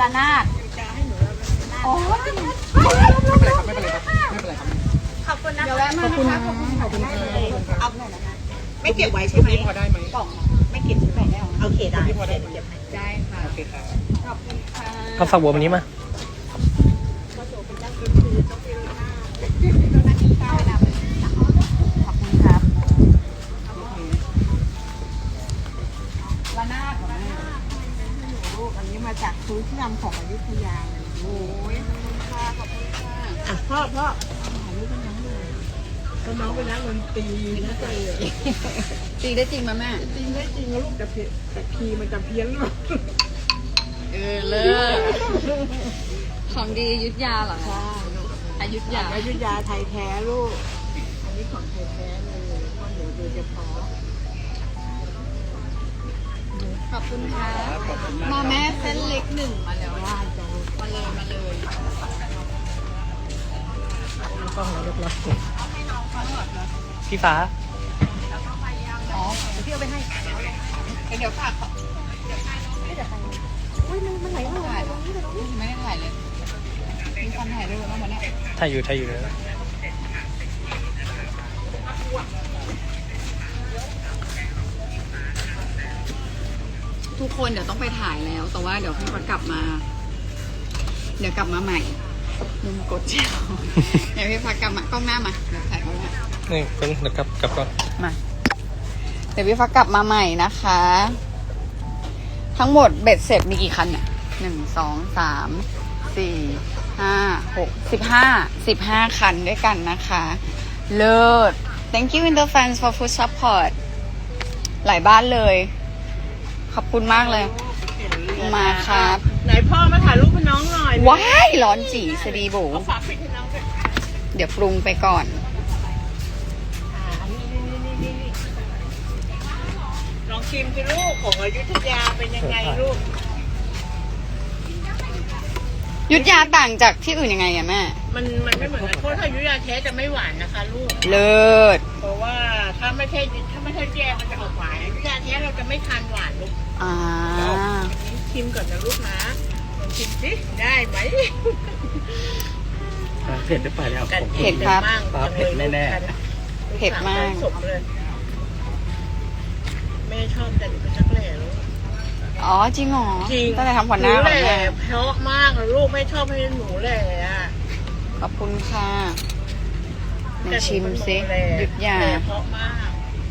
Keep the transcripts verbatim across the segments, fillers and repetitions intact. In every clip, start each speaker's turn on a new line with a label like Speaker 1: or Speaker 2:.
Speaker 1: ระนาดโอ้ยไม่เป็นไรครับไม่เป็นไรครับไม่เป็นไรครับขอบคุณนะเดี๋ยวแวะมานะคะขอบคุณขอบคุณเอาหน่อยนะคะไม่เก็บไว้ใช่ไหมพอได้ไหมกล่องไม่เก็บใช่ไหมโอเคได้พอได้เก็บได้ค่ะโอเคค่ะขอบคุณค่ะ
Speaker 2: เอาฝักบัววันนี้มา
Speaker 1: ขอบคุณครับระนาดของแม่ลูกอันนี้มาจากพื้นที่นำของอยุธยาเลยโอ้ยขอบคุณค่ะขอบคุณค่ะอ่ะพ่อพ่อถ่ายรูปเป็นน้องเลยก็น้องเป็นนักดนตรีนะเจ๊ตีได้จริงไหมแม่ตีได้จริงแล้วลูกแต่เพี้ยนแต่คีย์มันจะเพี้ยนหรอเออเลิศของดีอยุธยาเหรอคะอยุธยาอยุธยาไทยแท้ลูกอันนี้ของไทยแท้เลยพ่อหนูโดยเฉพาะขอบคุณค่ะมาแม่เส้นเล็กหนึ่งมาแล้วว่าจะมาเลยมาเลย
Speaker 2: ต้องเราเรียบร้อยพี่ฟ้า
Speaker 1: อ๋อเดี๋ยวพี่เอาไปให้เดี๋ยวฝากไม่เดี๋ยวไปอุ้ยมันมันไหลมาถ่ายไม่ได้ถ่ายเลยมีคนถ่ายด้วยบ้างไหมเนี่ย
Speaker 2: ถ่ายอยู่ถ่ายอยู่เลย
Speaker 1: ทุกคนเดี๋ยวต้องไปถ่ายแล้วแต่ว่าเดี๋ยวพี่พักกลับมาเดี๋ยวกลับมาใหม่ลืมกดเจ้าเดี๋ยวพี่พักกลับมากล้องหน้ามาเดี๋ยวถ่ายกล้องหน้า
Speaker 2: นี่คนเดี๋ยวกลับกลับก่อน
Speaker 1: มาเดี๋ยวพี่พักกลับมาใหม่นะคะทั้งหมดเบ็ดเสร็จมีกี่คันเนี่ยหนึ่งสองสามสี่ห้าหกสิบห้าสิบห้าคันด้วยกันนะคะเลิศ thank you in the fans for food support หลายบ้านเลยขอบคุณมากเลยมาครับ
Speaker 3: ไหนพ่อมาถ่ายรูปให้น้องหน่อย
Speaker 1: ว้ายร้อนจีสดีบู
Speaker 3: ฝากปิดให้น้องด้วย
Speaker 1: เดี๋ยวปรุงไปก่อน
Speaker 3: ลองชิมสิลูกของอยุธยาเป็นยังไงลูก
Speaker 1: ยุธยาต่างจากที่อื่นยังไงอะแม่
Speaker 3: มันมันไม่เหมือนกันเพราะถ้าอยุธยาแท้จะไม่หวานนะคะลูก
Speaker 1: เลิศ
Speaker 3: เพราะว่าถ้าไม่ใช่ถ้าไม่ใช่แย่มันจะออกหวานอยุธยาแท้เราจะไม่ทานหวานลูก
Speaker 1: อ่า
Speaker 3: ชิมก่อนนะลูกนะลองชิมสิได้ไหม
Speaker 2: เผ็ดหรือเปล่าเนี่ย
Speaker 1: เผ็ดครับ
Speaker 2: เผ็ดแน่
Speaker 1: ๆเผ็ดมาก
Speaker 3: แม่ชอบแต่หนูเป็นนักแหล่ลูก
Speaker 1: อ๋อจริงเหรอ
Speaker 3: จริง
Speaker 1: ตั้งแต่ทำขวัญหน้า
Speaker 3: แหล่เพราะมากเลยลูกไม่ชอบให้หนูแหล่
Speaker 1: ขอบคุณค่ะมาชิมซิยุดยา
Speaker 3: เพราะมาก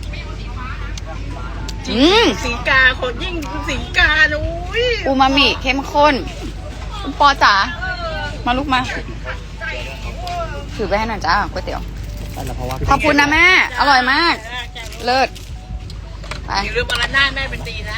Speaker 1: อืม
Speaker 3: สีกาคนยิ่งสีกานุ้ย
Speaker 1: อูมามิเข้มข้นคุณปอจ๋ามาลูกมาถือไปให้หน่อยจ้าก๋วยเตี๋ยวขอบคุณนะแม่อร่อยมากเลิศ
Speaker 3: ไปอย่าลืมมาละหน้าแม่เป็นตีนะ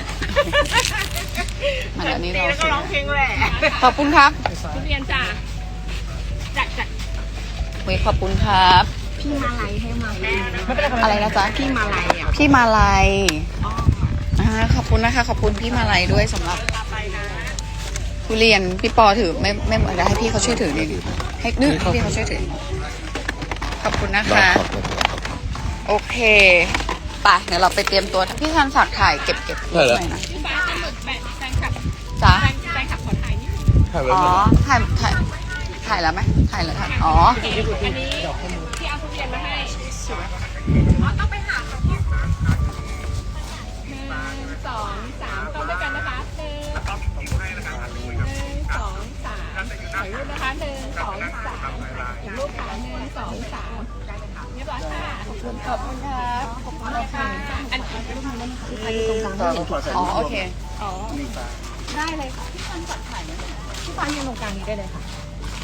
Speaker 1: มาแล้วนี่เรา
Speaker 3: แล้วก็ร้องเพลงแหละ
Speaker 1: ขอบคุณครับ
Speaker 3: ทุเรียนจ้าจัดจัด
Speaker 1: เว้ยขอบคุณครับ
Speaker 3: พี่มาลัยให้มา
Speaker 1: อะไรนะจ๊ะ
Speaker 3: พี่มาลัยอ่ะ
Speaker 1: พี่มาลัยอ่าขอบคุณนะคะขอบคุณพี่มาลัยด้วยสำหรับทุเรียนพี่ปอถือไม่ไม่เหมือนให้พี่เขาช่วยถือดิให้นึกพี่เขาช่วยถือขอบคุณนะคะโอเคไปเดี๋ยวเราไปเตรียมตัวพี่ทันฝากถ่ายเก็บเก็บหน่อยนะ
Speaker 3: พี่ฟ้าจะหมึกแปะแฟนคลับ
Speaker 1: จ้า
Speaker 3: แฟนคลับขอถ่ายนิด
Speaker 1: อ๋อถ่ายถ่ายถ่ายแล้วไหมถ่ายแล้วค่ะอ๋อ
Speaker 3: อันนี้ที่เอาทุเรียนมาให้อ๋อต้องไปหาเขาที่หนึ่งสองสามต้องด้วยกันนะคะหนึ่งหนึ่งสองสามถ่ายรูปนะคะหนึ่งสองสามถ่ายรูปค่ะหนึ่งสองสามเรียบร้อยค่ะขอบคุณ
Speaker 1: ขอบคุณครับขอบคุณค่ะ
Speaker 3: อันนี้รูปมันคือใครตรงกลาง
Speaker 1: อ๋อโอเค
Speaker 3: อ๋อได้เลยค่ะพี่ฟันจัดถ่ายนะพี่ฟันยืนตรงกลางนี้ได้เลยค่ะ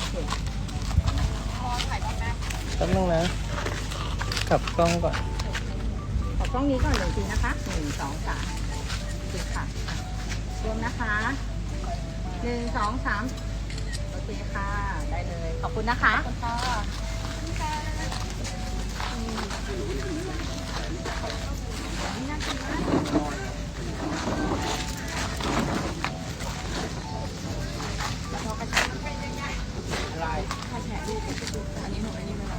Speaker 3: พอถ่ายบ้างแม่
Speaker 2: แป๊บนึงนะกลับกล้องก่อน
Speaker 3: ขอกล้องนี้ก่อนหนึ่งทีนะคะหนึ่งสองสามดูค่ะรวมนะคะหนึ่งสองสามโอเคค่ะได้เลยขอบคุณนะคะขอบคุณค่ะอันนี้หนูอันนี้ไม่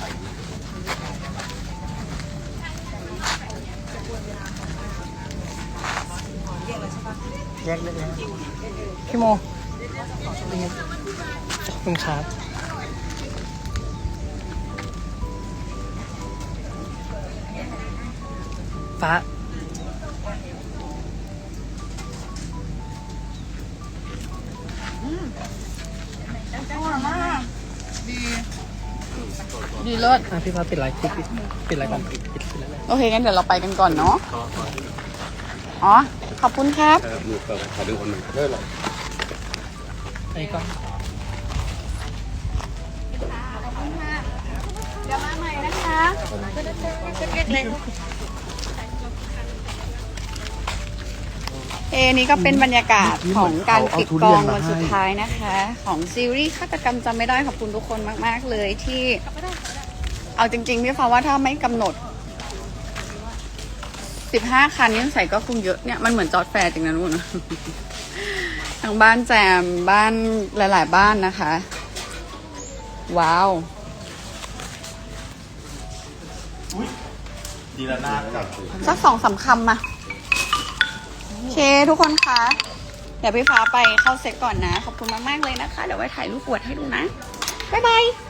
Speaker 3: รับ
Speaker 2: แยกได้เลยพี่โมขอบคุณครับฟ้า
Speaker 1: อร่อยมากดี
Speaker 3: ดีเลิศ
Speaker 2: อ่ะพี่ฟ้าปิดไลฟ์ปิดปิดปิดไลฟ์ก่อนปิดปิดปิดไลฟ์เลย
Speaker 3: โอเคงั้นเดี๋ยวเราไปกันก่อนเนาะอ๋อขอบคุณครับ
Speaker 4: มือเปิดขอดูคนหนึ่งเลิกเลย
Speaker 2: ไอ้กล้อง
Speaker 3: เดี๋ยวมาใหม่นะคะ เอนี่ก็เป็นบรรยากาศของการปิดกองวันสุดท้ายนะคะ ของซีรีส์ฆาตกรรมจำไม่ได้ขอบคุณทุกคนมากๆเลยที่เอาจริงๆพี่ฟ้าว่าถ้าไม่กำหนดสิบห้าคันนี่ใส่ก็คงเยอะเนี่ยมันเหมือนจอดแฟร์จริงนะนู่น ทางบ้านแจมบ้านหลายๆบ้านนะคะ ว้าว
Speaker 4: ดีละนากับ
Speaker 3: สักสองสามคำมาโอเคทุกคนคะ เดี๋ยวพี่ฟ้าไปเข้าเซ็ตก่อนนะ ขอบคุณมาก ๆ เลยนะคะ เดี๋ยวไว้ถ่ายรูปอวดให้ดูนะ บ๊ายบาย